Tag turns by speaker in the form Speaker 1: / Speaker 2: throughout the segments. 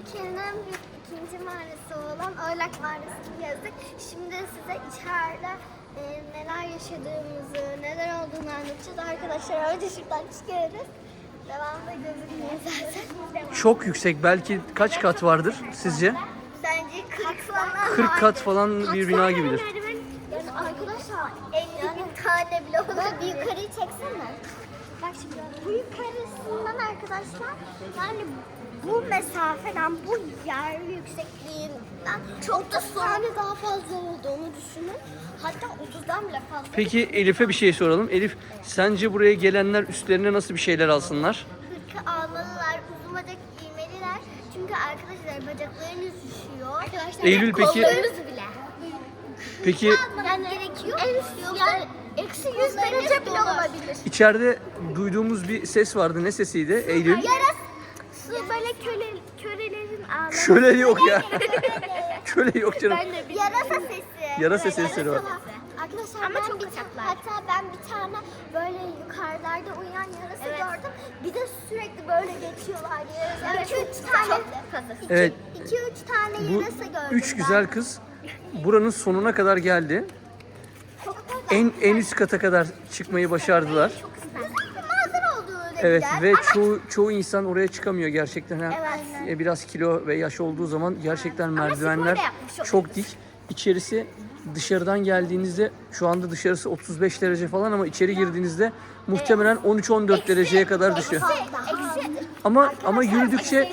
Speaker 1: Türkiye'nin ikinci mağarası olan Oylak Mağarası'nı gezdik. Şimdi size içeride neler yaşadığımızı, neler olduğunu anlatacağız arkadaşlar. Önce şuradan çıkıyoruz. Devamında gözükmüyor zaten.
Speaker 2: Çok yüksek. Belki kaç kat vardır sizce?
Speaker 1: Bence 40 falan
Speaker 2: 40 kat falan bir bina gibidir.
Speaker 1: Yani arkadaşlar 50 bin tane bile olur. Bir yukarıyı çeksene. Bak şimdi bu yukarısından arkadaşlar yani bu mesafeden bu yer yüksekliğinden çok da tane daha fazla olduğunu düşünün. Hatta 30'dan bile fazla.
Speaker 2: Peki Elif'e bir şey soralım. Elif, sence buraya gelenler üstlerine nasıl bir şeyler alsınlar?
Speaker 1: Hırka almalılar, uzun bacak giymeliler. Çünkü arkadaşlar bacaklarınız üşüyor. Arkadaşlar
Speaker 2: Eylül peki-
Speaker 1: kollarınız bile.
Speaker 2: Peki
Speaker 1: Yani gerekiyor. Yani eksi 100 derece bile olabilir.
Speaker 2: içeride duyduğumuz bir ses vardı. Ne sesiydi Eylül?
Speaker 1: Yarası su böyle kölelerin ağlaması.
Speaker 2: Şöyle yok ya. Şöyle yok canım.
Speaker 1: Yarasa sesi.
Speaker 2: Yarasa sesleri var.
Speaker 1: Arkadaşlar ama ben hatta ben bir tane böyle yukarılarda uyuyan yarasa gördüm. Bir de sürekli böyle geçiyorlar yarasa. 2-3 tane.
Speaker 2: Evet.
Speaker 1: 2-3 tane
Speaker 2: Bu
Speaker 1: yarasa gördüm.
Speaker 2: 3 güzel kız buranın sonuna kadar geldi. En üst kata kadar çıkmayı başardılar.
Speaker 1: Güzel bir manzara olduğunu dediler.
Speaker 2: Evet ve
Speaker 1: Ama
Speaker 2: çoğu insan oraya çıkamıyor gerçekten. Biraz kilo ve yaş olduğu zaman gerçekten merdivenler çok dik. İçerisi dışarıdan geldiğinizde şu anda dışarısı 35 derece falan ama içeri girdiğinizde muhtemelen 13-14 dereceye kadar düşüyor.
Speaker 1: eksi.
Speaker 2: Ama yürüdükçe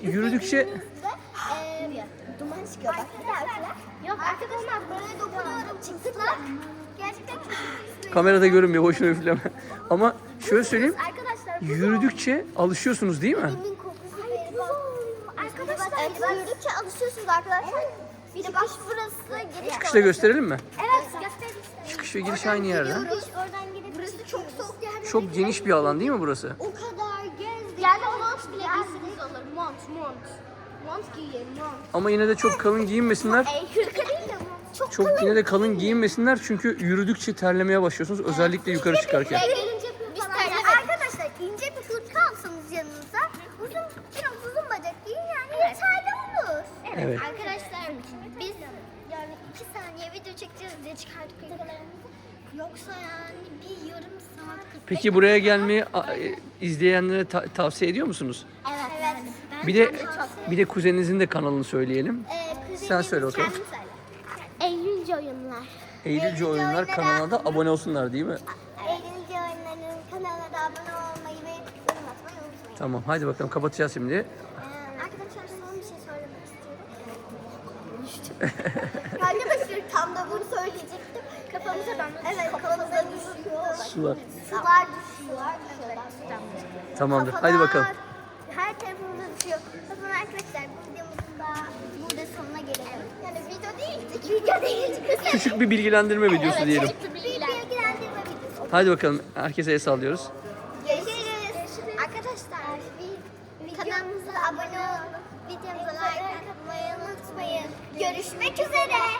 Speaker 1: Duman çıkıyor bak. Yok arkadaşlar böyle dokunuyorum çıktılar. Gerçekten çok güzel.
Speaker 2: kamerada görünmüyor, boşuna üfleme. Ama şöyle söyleyeyim,
Speaker 1: Arkadaşlar
Speaker 2: yürüdükçe alışıyorsunuz değil mi?
Speaker 1: elimin kokusu arkadaşlar yürüdükçe alışıyorsunuz arkadaşlar. Bir de bak burası giriş.
Speaker 2: Çıkışta gösterelim mi?
Speaker 1: Evet gösteririz.
Speaker 2: Çıkış ve giriş aynı yerde.
Speaker 1: Oradan gidip burası çok soğuk yani.
Speaker 2: Çok geniş bir alan değil mi burası?
Speaker 1: O kadar gezdik. Yani mont bile giysiniz olur. Mont. Mont giyin mont.
Speaker 2: Ama yine de çok kalın giyinmesinler.
Speaker 1: Hırka değil de mont. Çok
Speaker 2: Çok yine de kalın giyinmesinler çünkü yürüdükçe terlemeye başlıyorsunuz özellikle yukarı çıkarken.
Speaker 1: Biz arkadaşlar ince bir hırka alsanız yanınıza biraz uzun bacak giyin yani yeterli olur.
Speaker 2: Evet.
Speaker 1: Arkadaşlar biz yani 2 saniye video çekeceğiz diye çıkardık hırkalarımızı. Yoksa yani bir yarım saat 45
Speaker 2: Peki buraya gelmeyi izleyenlere tavsiye ediyor musunuz?
Speaker 1: Evet.
Speaker 2: Bir de kuzeninizin de kanalını söyleyelim. Sen söyle bakalım.
Speaker 1: Eylülce oyunlar.
Speaker 2: Eylülce Oyunlar kanalına da abone olsunlar değil mi?
Speaker 1: Eylülce oyunların kanalına da abone olmayı ve yorum atmayı unutmayın.
Speaker 2: Tamam, hadi bakalım kapatacağız şimdi.
Speaker 1: Arkadaşlar son bir şey söylemek istiyorum. Arkadaşlar tam da bunu söyleyecektim. Kafamıza damla. Evet kafamıza düşüyor.
Speaker 2: Sular.
Speaker 1: Sular düşüyor.
Speaker 2: Tamamdır. Hadi bakalım.
Speaker 1: Her tarafımıza düşüyor. O zaman arkadaşlar bu videomuzun da burada sonuna gelelim. Yani video değil.
Speaker 2: Küçük bir bilgilendirme videosu diyelim.
Speaker 1: Küçük bir bilgilendirme videosu.
Speaker 2: Hadi bakalım. Herkese el sallıyoruz.
Speaker 1: Görüşürüz. Arkadaşlar kanalımıza abone olun. Videomuza like atmayı unutmayın. Görüşmek üzere.